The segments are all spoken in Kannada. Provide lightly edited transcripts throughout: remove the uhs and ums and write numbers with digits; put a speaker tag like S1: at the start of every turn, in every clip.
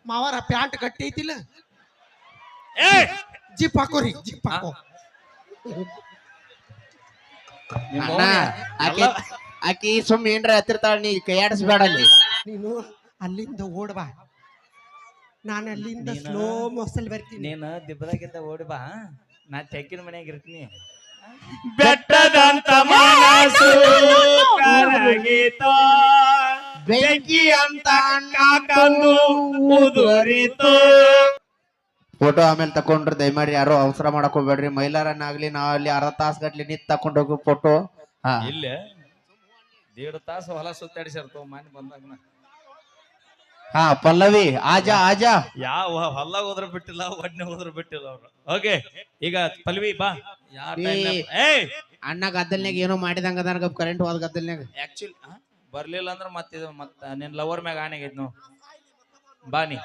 S1: ಮಾವಾರ ಪ್ಯಾಂಟ್ ಗಟ್ಟಿ ಐತಿಲ್ಲ
S2: ಏ
S1: ಜಿಪ್ ಹಾಕೋರಿ ಜಿಪ್ ಹಾಕೋ
S3: ಅಣ್ಣ ಆಕಿ ಆಕಿ ಸುಮ್ ಏನ್ರ ಹತ್ತಿರ್ತಾಳ ನೀ ಕೈಯಾಡಿಸ್ಬೇಡ ಅಲ್ಲಿ
S1: ನೀನು ಅಲ್ಲಿಂದ ಓಡ್ಬಾ ನಾನು ಅಲ್ಲಿಂದ ಸ್ಲೋ ಮೋಸಲ್ ಬರ್ತೀನಿ
S2: ನೀನು ದಿಬ್ಬದಾಗಿಂದ ಓಡಿ ಬಾ ನಾ ತೆಕ್ಕಿನ ಮನ್ಯಾಗ ಇರ್ತೀನಿ ಬೆಟ್ಟದಂತ ಮನಸ್ಸು ಕರಗಿತೋ ಬೆಂಕಿ ಅಂತ ಕಾಕಂದು ಉದುರಿತೋ
S3: ಫೋಟೋ ಆಮೇಲೆ ತಕೊಂಡ್ರಿ ದಯಮಾಡಿ ಯಾರು ಅವಸರ ಮಾಡಕ್ ಹೋಗ್ಬೇಡ್ರಿ ಮೈಲಾರನ್ನಾಗ್ಲಿ ನಾವ್ ಅಲ್ಲಿ ಅರ್ಧ ತಾಸ್ ಗಟ್ಲಿ ನಿಂತ್ ತಕೊಂಡ್ ಹೋಗೋ ಫೋಟೋ ಹಾ
S2: ಇಲ್ಲ 1.5 ತಾಸು ಹೊಲ ಸುತ್ತಾಡಿಸಿರ್ತವ ಮನೆ ಬಂದಾಗ
S3: ಹಾ ಪಲ್ಲವಿ ಆಜಾ ಆಜಾ
S2: ಯಾವ ಹೊಲ ಹೋದ್ರ ಬಿಟ್ಟಿಲ್ಲ ಒಡ್ನೆ ಹೋದ್ರ ಬಿಟ್ಟಿಲ್ಲ ಅವ್ರು ಓಕೆ ಈಗ ಪಲ್ವಿ ಬಾ
S3: ಅಣ್ಣ ಗದ್ದಲ್ನಾಗ ಏನೋ ಮಾಡಿದಂಗ ಅದ ಕರೆಂಟ್ ಹೋದ ಗದ್ದಲ್ನಾಗ
S2: ಆಕ್ಚುಲಿ ಬರ್ಲಿಲ್ಲ ಅಂದ್ರ ಮತ್ತಿದ ಮತ್ತ ನಿನ್ ಲವರ್ ಮ್ಯಾಗ ಆನೆಗೈತ್ ನಾವು ಬಾ ನೀ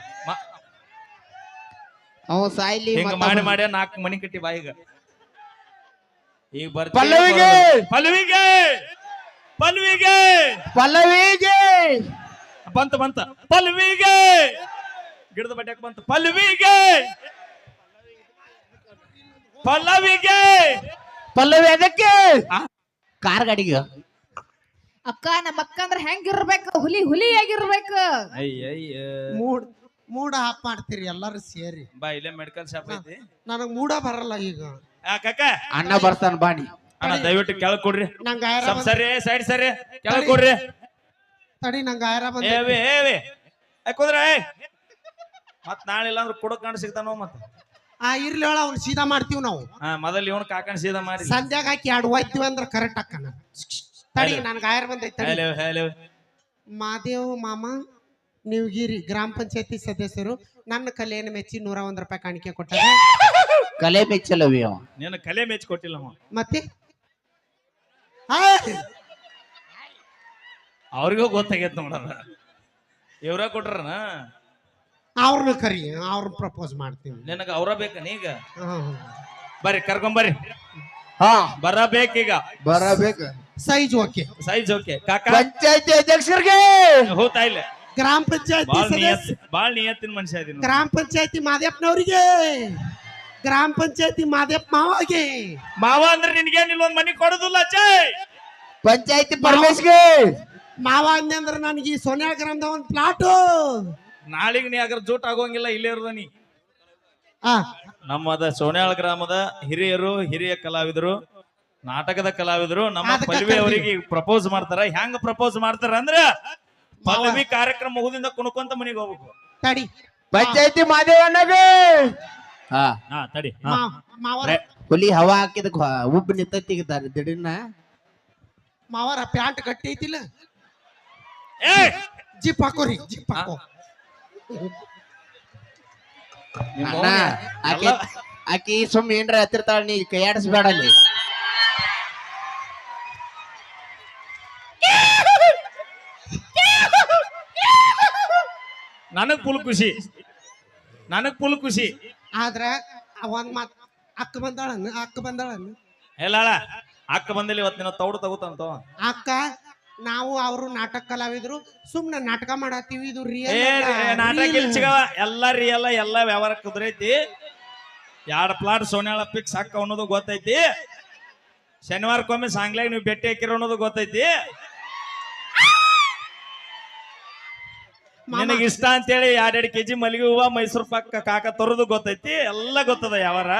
S3: ಅವ ಸಾಯ್ಲಿ
S2: ಹಿಂಗ ಮಾಡಿ ಮಾಡಿ 4 ಮನಿ ಕಟ್ಟಿ ಬಾ ಈಗ
S3: ಪಲ್ಲವಿಗೆ
S2: ಪಲ್ವಿಗೆ ಪಲ್ವಿಗೆ
S3: ಪಲ್ಲವಿಗೆ
S2: ಬಂತ ಪಲ್ವಿಗೆ ಗಿಡದ ಬಡ್ಯಾಕ ಬಂತ ಪಲ್ವಿಗೆ ಪಲ್ಲವಿಗೆ
S3: ಪಲ್ಲವಿ ಅದಕ್ಕೆ ಕಾರ್ ಗಾಡಿಗೆ
S4: ಅಕ್ಕ ನಮ್ಮ ಅಕ್ಕ ಅಂದ್ರ ಹೆಂಗಿರ್ಬೇಕು ಹುಲಿ ಆಗಿರ್ಬೇಕು
S1: ಮೂಡ ಆಫ್ ಮಾಡ್ತೀರಿ ಎಲ್ಲಾರು ಸೇರಿ
S2: ಬಾ ಇಲ್ಲೇ ಮೆಡಿಕಲ್ ಶಾಪ್ ಐತಿ
S1: ನನಗ್ ಮೂಡ ಬರಲ್ಲ ಈಗ
S2: ಕಾಕ
S3: ಅಣ್ಣ ಬರ್ತಾನ ಬಾಣಿ
S2: ಅಣ್ಣ ದಯವಿಟ್ಟು ಕೆಳಗ್ ಕೊಡ್ರಿ
S1: ನಂಗ
S2: ಸ್ವಲ್ಪ ಸರಿ ಸೈಡ್ ಸರಿ ಕೆಳಗ್ ಕೊಡ್ರಿ
S1: ತಡಿ ನಂಗ ಆಯ್ರ ಬಂದ
S2: ಏವಿ ಕುಂದ್ರೆ ಮತ್ ನಾಳೆ ಇಲ್ಲ ಅಂದ್ರೆ ಕೊಡಕ್ ಕಾಣ ಸಿಗ್ತಾನೋ ಮತ್ತ
S1: ಇರ್ಲಿ ಹೇಳ ಅವ್ನು ಸೀದಾ ಮಾಡ್ತೀವಿ ನಾವು
S2: ಮೊದಲ್ ಇವನ್ ಕಾಕಣ ಸೀದಾ ಮಾಡಿ
S1: ಸಂಧ್ಯಾಗ ಹಾಕಿ 2 ಹೋಯ್ತಿವಿ ಅಂದ್ರ ಕರೆಕ್ಟ್ ಅಕ್ಕನ ತಡಿ ನನ್ಗ ಆಯ್ರ ಬಂದೈತಿ ಮಾದೇವ್ ಮಾಮ ನೀವಗಿರಿ ಗ್ರಾಮ ಪಂಚಾಯತಿ ಸದಸ್ಯರು ನನ್ನ ಕಲೆಯನ್ನು ಮೆಚ್ಚಿ 101 ರೂಪಾಯಿ ಕಾಣಿಕೆ ಕೊಟ್ಟಾರೆ
S3: ಕಲೆ ಮೆಚ್ಚಲವಿ ಅವ
S2: ನೀನು ಕಲೆ ಮೆಚ್ಚಿ ಕೊಟ್ಟಿಲ್ಲ
S1: ಮತ್ತೆ
S2: ಅವ್ರಿಗೂ ಗೊತ್ತಾಗೈತ್ ನೋಡದ ಇವ್ರ ಕೊಟ್ರನ
S1: ಅವ್ರನ್ನ ಕರಿ ಅವ್ರನ್ನ ಪ್ರಪೋಸ್ ಮಾಡ್ತೀನಿ
S2: ನಿನಗ ಅವ್ರ ಬೇಕ ನೀಗ ಬರ್ರಿ ಕರ್ಕೊಂಬರ್ರಿ
S3: ಹಾ
S2: ಬರಬೇಕೀಗ
S3: ಬರಬೇಕು
S1: ಸೈಜ್ ಓಕೆ
S2: ಸೈಜ್ ಓಕೆ ಕಾಕ
S3: ಪಂಚಾಯತಿ ಅಧ್ಯಕ್ಷರಿಗೆ
S2: ಹೋತಾ ಇಲ್ಲ
S1: ಗ್ರಾಮ ಪಂಚಾಯತಿ
S2: ಬಾಳ್ ನಿಯತ್ತಿನ ಮನುಷ್ಯ ಇದೀನಿ
S1: ಗ್ರಾಮ ಪಂಚಾಯತಿ ಮಾದೇಪ್ಪನವ್ರಿಗೆ ಗ್ರಾಮ ಪಂಚಾಯತಿ ಮಾದೇಪ್ಪ ಮಾವಗೆ
S2: ಮಾವ ಅಂದ್ರೆ ನಿನ್ಗೇನಿಲ್ಲ ಒಂದ್ ಮನಿ ಕೊಡೋದಿಲ್ಲ ಚೈ
S3: ಪಂಚಾಯತಿ ಪರಮೇಶ್ಗೆ
S1: ಮಾವ ಅಂದ್ರ ನನಗೆ ಈ ಸೋನಿಯಾ ಗ್ರಾಮದ ಒಂದು ಪ್ಲಾಟು
S2: ನಾಳಿಗೆ ನೀ ಅದ್ರ ಜೂಟ್ ಆಗೋಂಗಿಲ್ಲ ಇಲ್ಲೇ ಇರೋದ ನೀ ನಮ್ಮದ ಸೋನ್ಯಾಳ ಗ್ರಾಮದ ಹಿರಿಯ ಕಲಾವಿದರು ನಾಟಕದ ಕಲಾವಿದರು ನಮ್ಮ ಪಲ್ವಿ ಅವರಿಗೆ ಪ್ರಪೋಸ್ ಮಾಡ್ತಾರ ಹೆಂಗ ಪ್ರಪೋಸ್ ಮಾಡ್ತಾರ ಅಂದ್ರ ಪಲ್ವಿ ಕಾರ್ಯಕ್ರಮ ಮುಗಿದಿಂದ ಕುಣ್ಕೊಂತ ಮನಿಗೆ ಹೋಗ್ಬೇಕು
S1: ತಡಿ
S3: ಪಂಚಾಯತಿ ಮಾದೇವಣ್ಣಗೆ ಹಾ
S2: ತಡಿ
S3: ಹುಲಿ ಹವಾ ಹಾಕಿದ ಉಬ್ಬು ನಿಂತಿದ್ದಾರೆ ದಿಢೀರ್ನ
S1: ಮಾವರ ಪ್ಯಾಂಟ್ ಗಟ್ಟಿ ಐತಿಲ್ಲ ಜಿಪ್ ಹಾಕೋರಿ ಜಿಪ್ ಹಾಕೋ
S3: ಅಣ್ಣ ಆಕಿ ಸುಮ್ ಏನ್ರ ಹತ್ತಿರ್ತಾಳ ನೀ ಕೈಯಾಡಿಸ್ಬೇಡ ಅಲ್ಲಿ
S2: ನನಗ್ ಫುಲ್ ಖುಷಿ
S1: ಆದ್ರ ಒಂದ್ ಮಾತ್ ಅಕ್ಕ ಬಂದಾಳನ್ನು
S2: ಹೇಳ ಅಕ್ಕ ಬಂದಿಲ್ಲ ಇವತ್ತಿನ ತೌಡು ತಗೋತಂತ
S1: ಅಕ್ಕ ನಾವು ಅವರು ನಾಟಕ ಕಲಾವಿದ್ರು ಸುಮ್ನೆ ನಾಟಕ ಮಾಡತ್ತೀವಿ ಇದು
S2: ನಾಟಕ ಸಿಗವ ಎಲ್ಲ ರಿಯಲ್ ಎಲ್ಲ ವ್ಯವಹಾರ ಕುದುರೈತಿ 2 ಪ್ಲಾಟ್ ಸೋನ್ಯಾಳ ಪಿಕ್ಸ್ ಹಾಕ ಅನ್ನೋದು ಗೊತ್ತೈತಿ ಶನಿವಾರಕ್ಕೊಮ್ಮೆ ಸಾಂಗ್ಲಾಗ ನೀವು ಭೇಟಿ ಹಾಕಿರೋ ಅನ್ನೋದು ಗೊತ್ತೈತಿ ನಿನಗೆ ಇಷ್ಟ ಅಂತೇಳಿ 2 ಕೆಜಿ ಮಲ್ಲಿಗೆ ಹೂವ ಮೈಸೂರು ಪಾಕ ಕಾಕ ತರೋದು ಗೊತ್ತೈತಿ ಎಲ್ಲ ಗೊತ್ತದ ಯಾವಾರ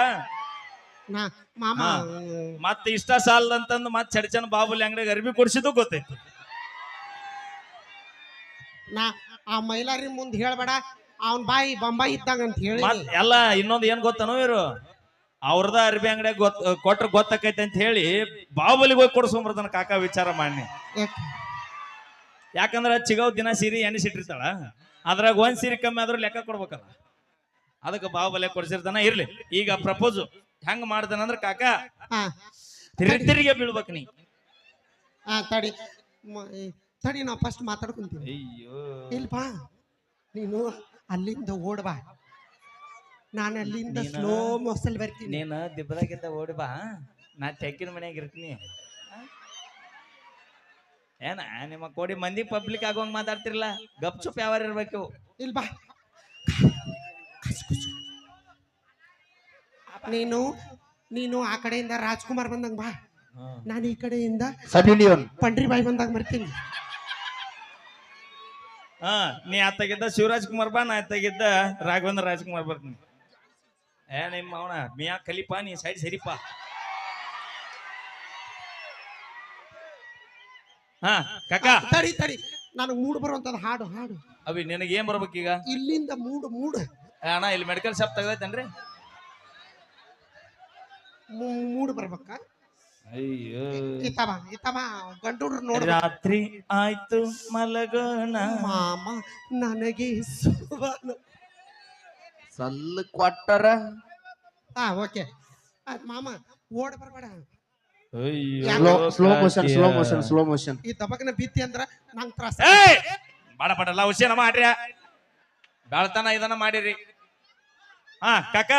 S2: ಮತ್ ಇಷ್ಟ ಸಾಲದಂತಂದು ಮತ್ ಚಡ್ಚನ್ ಬಾಬುಲಿ ಅಂಗಡಿಗೆ ಅರ್ಬಿ ಕೊಡ್ಸಿದ್ದು ಗೊತ್ತೈತಿ
S1: ಆ ಮೈಲಾರಿ ಮುಂದ್ ಹೇಳ್ಬೇಡ ಅವನ್ ಬಾಯಿ ಬೊಂಬಾಯಿ ಇದ್ದಂಗ ಅಂತ ಹೇಳಿ
S2: ಎಲ್ಲ ಇನ್ನೊಂದು ಏನ್ ಗೊತ್ತನೋ ಇವರು ಅವ್ರದ ಅರ್ಬಿ ಅಂಗಡಿಯಾಗ ಕೊಟ್ರ ಗೊತ್ತಾಕೈತಿ ಅಂತ ಹೇಳಿ ಬಾಹುಬಲಿಗೆ ಹೋಗಿ ಕೊಡ್ಸ್ಕೊಂಬರ್ತಾನ ಕಾಕ ವಿಚಾರ ಮಾಡಿ ಯಾಕಂದ್ರ ಚಿಗವ್ ದಿನ ಸೀರೆ ಎಣಿಸಿಟ್ಟಿರ್ತಾಳ ಅದ್ರಾಗ ಒಂದ್ ಸೀರೆ ಕಮ್ಮಿ ಆದ್ರೂ ಲೆಕ್ಕ ಕೊಡ್ಬೇಕಲ್ಲ ಅದಕ್ಕೆ ಬಾಹುಬಲಿ ಕೊಡ್ಸಿರ್ತಾನ ಇರ್ಲಿ ಈಗ ಪ್ರಪೋಸ್ ಹೆಂಗ್ ಮಾಡ್ತಾನಂದ್ರ ಕಾಕ ತಿರುಗಿ ಬೀಳ್ಬೇಕ ನೀ
S1: ತಡಿ ತಡಿ ನಾವು ಫಸ್ಟ್ ಮಾತಾಡ್ಕೊಂತೀವಿ
S2: ಅಯ್ಯೋ
S1: ಇಲ್ಪಾ ನೀನು ಅಲ್ಲಿಂದ ಓಡ್ಬಾ ನಾನು ಅಲ್ಲಿಂದ ಸ್ಲೋ ಮೋಸಲ್ ಬರ್ತೀನಿ
S2: ನೀನು ದಿಬ್ಬದಾಗಿಂದ ಓಡಿ ಬಾ ನಾ ತೆಕ್ಕಿನ ಮನ್ಯಾಗ ಇರ್ತೀನಿ ಏನ ನಿಮ್ಮ ಕೋಡಿ ಮಂದಿ ಪಬ್ಲಿಕ್ ಆಗೋಂಗ್ ಮಾತಾಡ್ತಿರ್ಲ ಗಪ್ ಚುಪ್ ಯಾವಾರ ಇರ್ಬೇಕು
S1: ಇಲ್ಬಾ ನೀನು ನೀನು ಆ ಕಡೆಯಿಂದ ರಾಜ್ಕುಮಾರ್ ಬಂದಂಗ ಬಾ, ನಾನು ಈ ಕಡೆಯಿಂದ
S3: ಸನ್ನಿ ಲಿಯೋನ್
S1: ಪಂಡ್ರಿ ಬಾಯಿ ಬಂದಾಗ ಬರ್ತೀನಿ.
S2: ಹಾ ನೀ ಆತಾಗಿದ್ದ ಶಿವರಾಜ್ ಕುಮಾರ್ ಬಾ, ನಾ ಆತಾಗಿದ್ದ ರಾಘವೇಂದ್ರ ರಾಜ್ಕುಮಾರ್ ಬರ್ತೀನಿ. ನಿಮ್ಮ ಅವನ ಮಿಯಾ ಖಲೀಫಾ ನೀ ಸೈಡ್ ಸರಿಪಾ. ಹಾ ಕಾಕ
S1: ತಡಿ ತಡಿ, ನನಗೆ ಮೂಡ್ ಬರುವಂತದ ಹಾಡು ಹಾಡು.
S2: ಅವಿ ನಿನಗೆ ಏನ್ ಬರ್ಬೇಕೀಗ?
S1: ಇಲ್ಲಿಂದ ಮೂಡ್ ಮೂಡ್
S2: ಅಣ್ಣ ಇಲ್ಲಿ ಮೆಡಿಕಲ್ ಶಾಪ್ ತೆಗ್ದೈತೇನ್ರಿ?
S1: ಮೂಡ್ ಬರ್ಬೇಕ.
S2: ಅಯ್ಯೋ
S1: ಇತ್ತವ ಇತ್ತವ ಗಂಟುಡ್ರು ನೋಡ.
S2: ರಾತ್ರಿ ಆಯ್ತು ಮಲಗೋಣ
S1: ಮಾಮ ನನಗೆ
S3: ಸಲ್ಲ ಕೊಟ್ಟರ.
S1: ಹಾ ಓಕೆ ಮಾಮ ಓಡ್ ಬರ್ಬೇಡ.
S3: Slow motion.
S1: ಈ ದಬಕನ ಬಿತ್ತಿ ಅಂದ್ರ ನಂಗ್ ತ್ರಾಸ.
S2: ಬಾಡ ಬಾಡಲ್ಲ ಹುಷೇನ ಮಾಡ್ರಿ, ಬೆಳ್ತಾನ ಇದನ್ನ ಮಾಡಿರಿ. ಹಾ ಕಾಕ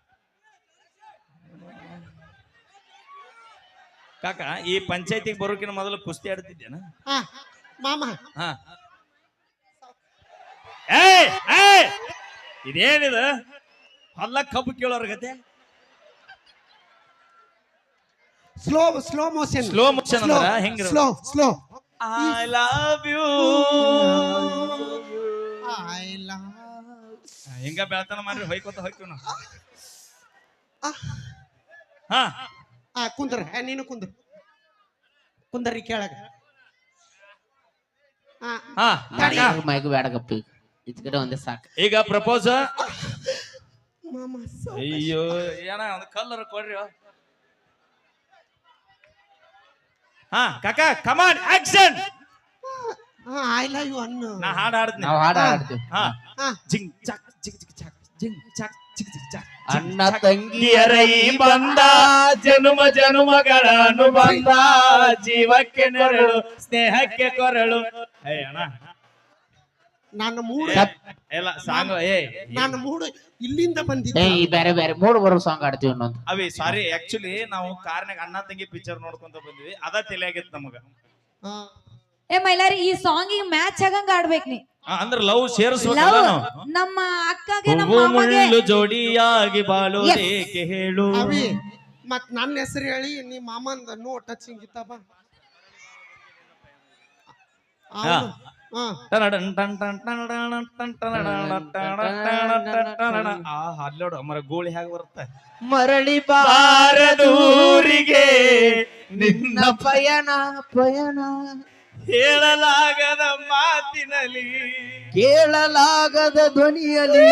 S2: ಕಾಕ ಈ ಪಂಚಾಯತಿಗೆ ಬರೋಕಿನ ಮೊದಲು ಕುಸ್ತಿ ಆಡ್ತಿದ್ದೇನ?
S1: ಹಾ ಮಾಮ
S2: ಹಾ ಇದೇನಿದು ಹೊಲ್ಲ ಕಬ್ಬು ಕೇಳೋರ್ ಗತೆ?
S1: Slow slow motion.
S2: Slow motion ಅಂದ್ರ ಹೆಂಗ?
S1: Slow slow.
S2: I love you.
S1: I love
S2: ಹಿಂಗ ಬೆಳ್ತಾನ ಮಾಡ್ರಿ, ಹೊಯ್ಕೋತ ಹೋಯ್ತು ನಾವು. ಹಾ
S1: ಕುಂದ್ರ ನೀನು ಕುಂದ್ರಿ ಕೆಳಗ.
S3: ಮೈಕ್ ಬೇಡ ಗಪ್ಪಿ, ಇದ್ ಕಡೆ ಒಂದೇ ಸಾಕು.
S2: ಈಗ ಪ್ರಪೋಸ್.
S1: ಮಾಮ
S2: ಅಯ್ಯೋ ಏನ ಒಂದು ಕಲ್ಲರ್ ಕೊಡ್ರಿ. ಹಾ ಕಾಕ come on action.
S1: I love you ಅನ್ನು
S2: ನಾ ಹಾಡು ಹಾಡ್ತೀನಿ.
S3: ನಾವು ಹಾಡು ಹಾಡ್ತೀವಿ.
S2: ಹಾ
S1: ಹಾ
S2: ಜಿಂಗ್ ಚಾಕ್ ಜಿಗ್ ಜಿಗ್ ಚಾಕ್ ಜಿಂಗ್ ಚಾಕ್ ಜಿಗ್ ಜಿಗ್ ಚಾಕ್.
S3: ಅಣ್ಣ ತಂಗಿಯರ
S2: ಈ ಬಂದ ಜನುಮ ಜನುಮಗಳ ಅನುಬಂಧ, ಜೀವಕ್ಕೆ ನೆರಳು ಸ್ನೇಹಕ್ಕೆ ಕೊರಳು. ಅಣ್ಣ
S1: ನಾನು ಮೂಡ್
S2: ಎಲ್ಲ ಸಾಂಗ್
S1: ನಾನು ಮೂಡ್ ಇಲ್ಲಿಂದ ಬಂದಿದ್ದೆ.
S3: ಬೇರೆ ಬೇರೆ ಮೂಡ್ ಬರೋ ಸಾಂಗ್ ಆಡ್ತೀವಿ ಇನ್ನೊಂದು.
S2: ಅವಿ ಸಾರಿ, ಆಕ್ಚುಲಿ ನಾವು ಕಾರ್ನಾಗ ಅಣ್ಣ ತಂಗಿ ಪಿಕ್ಚರ್ ನೋಡ್ಕೊಂತ ಬಂದ್ವಿ, ಅದ ತಲೆಯಾಗಿತ್ತು ನಮಗ.
S4: ಏ ಮೈಲಾರಿ ಈ ಸಾಂಗಿಗೆ ಮ್ಯಾಚ್ ಆಗಂಗ ಆಡ್ಬೇಕ್ ನೀ.
S2: ಅಂದ್ರ ಲವ್ ಸೇರಿಸ್ಬೇಕಲ್ಲ
S4: ಲವ್
S2: ನಾವು.
S4: ನಮ್ಮ ಅಕ್ಕಗೆ ನಮ್ಮ ಮಾಮಗೆ
S2: ಮುಳ್ಳು ಜೋಡಿಯಾಗಿ ಬಾಳೋದೇಕೆ ಹೇಳು.
S1: ಅವಿ ಮತ್ ನನ್ನ ಹೆಸರು ಹೇಳಿ ನೀ ಮಾಮಂದ ನೋ ಟಚಿಂಗ್ ಇತ್ತಪ್ಪ.
S2: ಅಲ್ಲೋಡು ಅಮರ ಗೋಳಿ ಹೇಗೆ ಬರುತ್ತೆ.
S3: ಮರಳಿ
S2: ಬಾರದೂರಿಗೆ
S3: ನಿನ್ನ ಪಯಣ
S2: ಹೇಳಲಾಗದ ಮಾತಿನಲ್ಲಿ,
S3: ಕೇಳಲಾಗದ ಧ್ವನಿಯಲ್ಲಿ.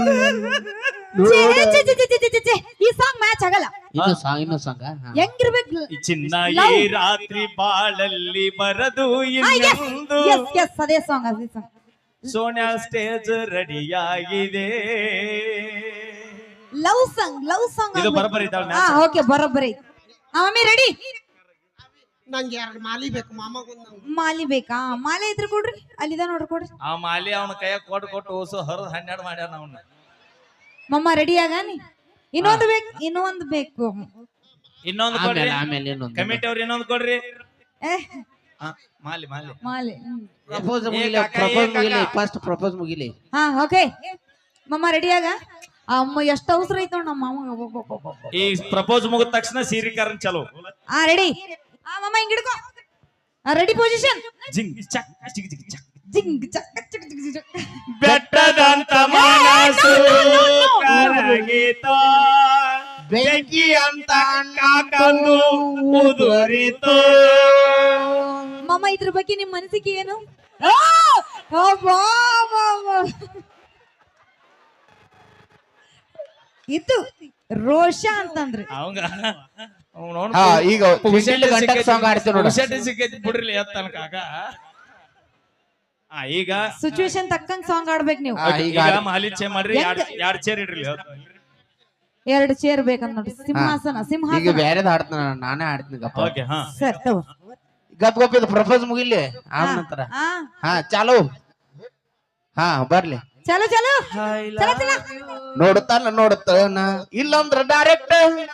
S4: ಈ ಸಾಂಗ್ ಮ್ಯಾಚ್ ಆಗಲ್ಲ.
S3: ಇನ್ನೊಂದು ಸಾಂಗ್
S4: ಹೆಂಗಿರ್ಬೇಕು?
S2: ಚಿನ್ನ ಈ ರಾತ್ರಿ ಬಾಳಲ್ಲಿ ಬರದು ಇನ್ನೊಂದು.
S4: ಅದೇ ಸಾಂಗ್ ಅದೇ ಸಾಂಗ್.
S2: ಸೋನ್ಯಾ ಸ್ಟೇಜ್ ರೆಡಿಯಾಗಿದೆ.
S4: ಲವ್ ಸಾಂಗ್
S2: ಇದು ಬರಬರಿ ಇದ್ದಾಳೆ.
S4: ಹಾ ಓಕೆ ಬರೋಬ್ಬರಿ. Mummy ready?
S1: ನಂಗೆ 2 ಮಾಲಿ ಬೇಕು ಮಾಮಗೊಂದು.
S4: ಮಾಲಿ ಬೇಕಾ? ಮಾಲೆ ಇದ್ರೆ ಕೊಡ್ರಿ, ಅಲ್ಲಿದ ನೋಡ್ರಿ ಕೊಡ್ರಿ.
S2: ಆ ಮಾಲಿ ಅವನ ಕೈಯಾಗ ಕೊಟ್ಟು ಓಸು ಹರಿದು 12 ಮಾಡ್ಯಾನ ಅವನ್ನ.
S4: ಮಮ್ಮ ರೆಡಿ ಆಗಾನಿ? ಇನ್ನೊಂದು ಬೇಕು.
S2: ಇನ್ನೊಂದು ಕೊಡ್ರಿ.
S3: ಆಮೇಲೆ ಇನ್ನೊಂದು
S2: ಕಮಿಟಿ ಅವ್ರು ಇನ್ನೊಂದು ಕೊಡ್ರಿ.
S4: ಏ
S2: ಮಾಲಿ
S4: ಮಾಲೆ
S3: ಪ್ರಪೋಸ್ ಪ್ರಪೋಸ್ ಮುಗಿಲಿ.
S4: ಹಾ ಓಕೆ ಮಮ್ಮ ರೆಡಿ ಆಗ. ಅಮ್ಮ ಎಷ್ಟು ಅವಸರ ಐತ ನಮ್ಮ ಮಾಮ.
S2: ಈ ಪ್ರಪೋಸ್ ಮುಗಿದ ತಕ್ಷಣ ಸೀರಿಕಾರನ್ ಚಲೋ.
S4: ಹಾ ರೆಡಿ. ಮಮ್ಮ ಹಿಂಗ್ ಹಿಡ್ಕೋ. Ready position.
S2: ಜಿಂಗ್ ಚಕ್ ಜಿಗ್ ಜಿಗ್ ಚಕ್
S4: ಜಿಂಗ್ ಚಕ್ ಚಕ್ ಜಿಗ್ ಜಿಗ್.
S2: ಬೆಟ್ಟದಂತ ಮನಸ್ಸು ಕರಗಿತೋ, ಬೆಂಕಿ ಅಂತ ಕಾಕಂದು ಉದುರಿತೋ.
S4: ಮಮ್ಮ ಇದ್ರ ಬಗ್ಗೆ ನಿಮ್ ಮನಸ್ಸಿಗೆ ಏನು? ಇದು ರೋಷ ಅಂತಂದ್ರಿ
S2: ಅವಂಗ
S3: ಈಗ ಸಾಂಗ್ ಆಡ್ತೀವಿ ನೋಡಿ.
S2: ಸಿಕ್ಕೈತಿ ಬಿಡ್ರಿ ಎತ್ತನ ಕಾಕ. ಈಗ
S4: ಸಿಚುವೇಶನ್ ತಕ್ಕಂಗ್ ಸಾಂಗ್ ಆಡ್ಬೇಕು ನೀವು.
S2: ಈಗ ಮಾಲಿ ಚೇ ಮಾಡ್ರಿ. 2 ಚೇರ್ ಇಡ್ರಿ.
S4: 2 ಚೇರ್ ಬೇಕಂತ ನೋಡಿ. ಸಿಂಹಾಸನ
S3: ಈಗ ಬೇರೆದ್ ಆಡ್ತಾನ, ನಾನೇ ಆಡ್ತೀನಿ ಗಪ್ಪ.
S2: ಓಕೆ ಹಾ
S4: ಸರ್ ತಗೋ.
S3: ಗಪ್ ಇದು ಪ್ರಪೋಸ್ ಮುಗಿಲಿ ಆದ ನಂತರ. ಹಾ ಚಾಲು. ಹಾ ಬರ್ಲಿ.
S4: ಚಲೋ ಚಲೋ ಚಲೋ ಚಲೋ.
S3: ನೋಡುತ್ತಾನ ಇಲ್ಲಂದ್ರ ಡೈರೆಕ್ಟ್.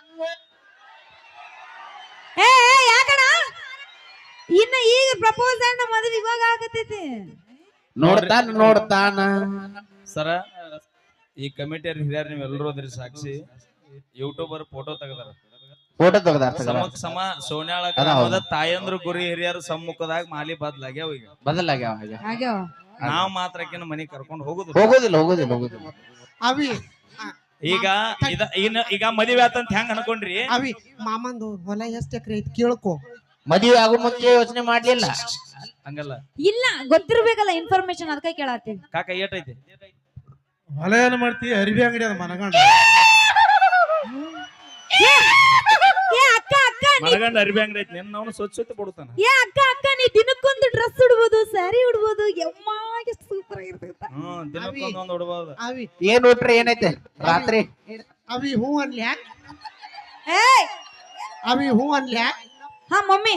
S4: ಏ ಯಾಕಣ ಇನ್ನ ಈಗ ಪ್ರಪೋಸ್ ಅಂಡ್ ಮದುವೆ ಇವಾಗ ಆಗತೈತಿ.
S3: ನೋಡ್ತಾನ
S2: ಸರ ಈ ಕಮಿಟಿಯರ್ ಹಿರಿಯರ್ ನೀವೆಲ್ಲರೂ ಅದ್ರಿ ಸಾಕ್ಷಿ. ಯೂಟ್ಯೂಬರ್ ಫೋಟೋ ತೆಗದಾರ
S3: ಫೋಟೋ ತೆಗ್ದಾರ
S2: ಸಮಕ್ ಸಮ ಸೋನ್ಯಾಳ
S3: ಅದ ಹೌದು.
S2: ಗ್ರಾಮದ ತಾಯಂದ್ರು ಗುರಿ ಹಿರಿಯರ ಸಮ್ಮುಖದಾಗ ಮಾಲಿ ಬದ್ಲಾಗ್ಯಾವ ಈಗ.
S3: ಬದಲಾಗ್ಯಾವ ಹಾಗೆ
S4: ಆಗ್ಯಾವ
S2: ನಾವ್ ಮಾತ್ರ ಆಕಿನ ಮನಿ ಕರ್ಕೊಂಡು ಹೋಗುದು.
S3: ಹೋಗೋದಿಲ್ಲ
S1: ಅವಿ
S2: ಈಗ ಈಗ ಮದುವೆ ಆತಂತ ಹೆಂಗ್ ಅನ್ಕೊಂಡ್ರಿ?
S1: ಅವಿ ಮಾಮಂದು ಹೊಲ ಎಷ್ಟ್ ಎಕರೆ ಐತಿ ಕೇಳ್ಕೊ.
S3: ಮದುವೆ ಆಗೋ ಮುಂಚೆ ಯೋಚನೆ ಮಾಡ್ಲಿಲ್ಲ.
S2: ಹಂಗಲ್ಲ
S4: ಇಲ್ಲ ಗೊತ್ತಿರ್ಬೇಕಲ್ಲ ಇನ್ಫಾರ್ಮೇಶನ್ ಅದಕ್ಕೆ ಕೇಳತ್ತೀವಿ.
S2: ಕಾಕ ಏಟೈತಿ?
S5: ಹೊಲ ಏನ್ ಮಾಡ್ತಿ? ಅರಿವಿ ಅಂಗಡಿ ಅದ ಮನಗಂಡ.
S4: ಅಕ್ಕ ಅಕ್ಕ
S2: ಮನಗಂಡ ಅರ್ಬಿ ಅಂಗಡಿ ಐತಿ. ನಿನ್ನ ಸ್ವಚ್ಛತೆ ಕೊಡ್ತಾನ.
S4: ಅಕ್ಕ ನೀ ದಿನಕ್ಕೊಂದು ಡ್ರೆಸ್ ಉಡ್ಬೋದು, ಸ್ಯಾರಿ ಉಡ್ಬೋದು, ಯಮ್ಮ ಎಷ್ಟು ಸೂಪರ್ ಆಗಿರ್ತೈತ.
S2: ದಿನಕ್ಕೊಂದೊಂದು ಹೊಡ್ಬೋದು.
S1: ಅವಿ
S3: ಏನ್ ಊಟ್ರಿ ಏನೈತೆ ರಾತ್ರಿ?
S1: ಅವಿ ಹೂ ಅನ್ಲ್ಯಾಕ್?
S4: ಏಯ್
S1: ಅವಿ ಹೂ ಅನ್ಲ್ಯಾಕ್?
S4: ಹಾ ಮಮ್ಮಿ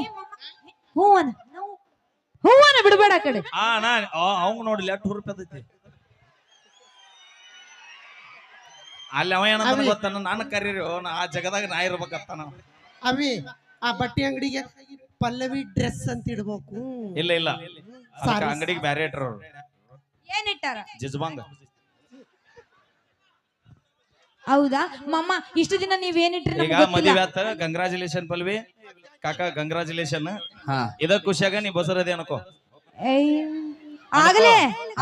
S4: ಹೂವನ ಬಿಡಬೇಡ ಆ ಕಡೆ.
S2: ಅವಂಗ ನೋಡ್ಲಿ ಎಷ್ಟು ಹುರುಪೈತಿ. ಅಲ್ಲಿ ಅವ ಏನಂತ ಗೊತ್ತಾನ, ನಾನು ಕರೀರಿ ಆ ಜಗದಾಗ ನಾ ಇರ್ಬೇಕಂತ.
S1: ಅವಿ ಆ ಬಟ್ಟೆ ಅಂಗಡಿಗೆ ಪಲ್ಲವಿ ಡ್ರೆಸ್ ಅಂತ ಇಡ್ಬೇಕು.
S2: ಇಲ್ಲ ಅಂಗಡಿಗೆ ಬ್ಯಾರೆ ಇಟ್ರ ಅವ್ರು.
S4: ಏನಿಟ್ಟಾರ?
S2: ಜಿಜ್ಬಾಂಗ.
S4: ಹೌದಾ ಮಮ್ಮ, ಇಷ್ಟು ದಿನ ನೀವೇನಿಟ್ರಿ
S2: ಈಗ ಮದುವೆ ಆತ. ಕಂಗ್ರಾಚುಲೇಷನ್ ಪಲ್ವಿ ಕಾಕ, ಕಂಗ್ರಾಚುಲೇಷನ್. ಇದ ಖುಷಿಯಾಗ ನೀ ಬಸರದೆ ಅನ್ಕೋ.
S4: ಆಗ್ಲೇ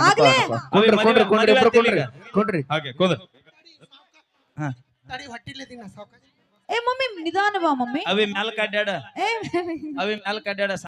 S3: ಕೊಡ್ರಿ
S2: ಹಾಗೆ ಕೂದ.
S1: ತಡಿ ಹೊಟ್ಟಿಲ್ಲದಿನ ಸಾವ್ಕಾಶ.
S4: ಏ ಮಮ್ಮಿ ನಿಧಾನ ಬಾ ಮಮ್ಮಿ.
S2: ಅವಿ ಮ್ಯಾಲ ಕಡ್ಯಾಡ,
S4: ಏ
S2: ಅವಿ ಮ್ಯಾಲ ಕಡ್ಯಾಡ.